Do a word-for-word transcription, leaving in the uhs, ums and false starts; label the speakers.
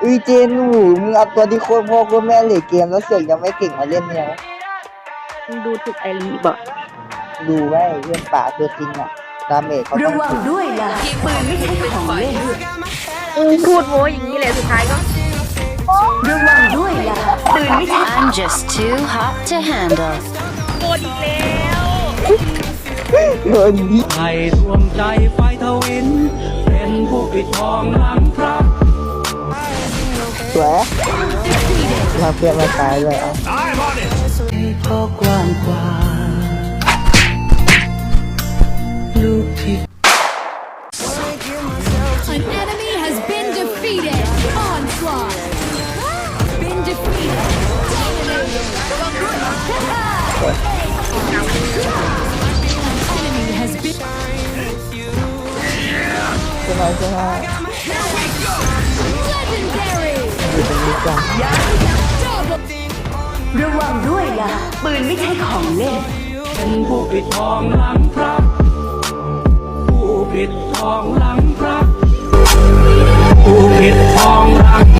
Speaker 1: อุ้ยเจนหนูมึงเอาตัวที่โคตรพ่อโคตรแม่เลยเกมแล้วเสือกยังไม่เก่งมาเล่นเนี่ย
Speaker 2: มึงดูถูกไอรีบ่
Speaker 1: ดูไว้เพื่อนป่าตัวจริงอ่ะดาเมจเขาต้
Speaker 3: ระ
Speaker 1: อง
Speaker 3: วัง
Speaker 1: ถึง
Speaker 3: ด้วยล่ะปืนไม่ใช่ของเล่น
Speaker 2: มึงพูดโม้อย่างนี้แหละสุดท้ายก็
Speaker 3: ระวังด้วยล่ะปืนไม่ใช่
Speaker 4: I'm just too hot to handle.
Speaker 2: โกรธอีกแล้ว
Speaker 1: โดนยิง
Speaker 5: ให้ดวงใจไฟทวิน เป็นผู้ปิดทองหลังพระ
Speaker 1: สวยมาเพื่อนมาตายเลยอ่ะ
Speaker 5: เพราะกว้างกว่าลูกที่
Speaker 6: An enemy has been defeated. Onslaught. Been defeated. Enemy has been
Speaker 1: ใช่ไหมใช่ไหม
Speaker 6: legendary.
Speaker 1: อยู่ตรงนี้จ้ะ
Speaker 6: Double.
Speaker 3: ระวังด้วยล่ะปืนไม่ใช่ของเล่น
Speaker 5: เป็นผู้ปิดทองหลังพระผู้ปิดทองหลังพระผู้ปิดทองหลัง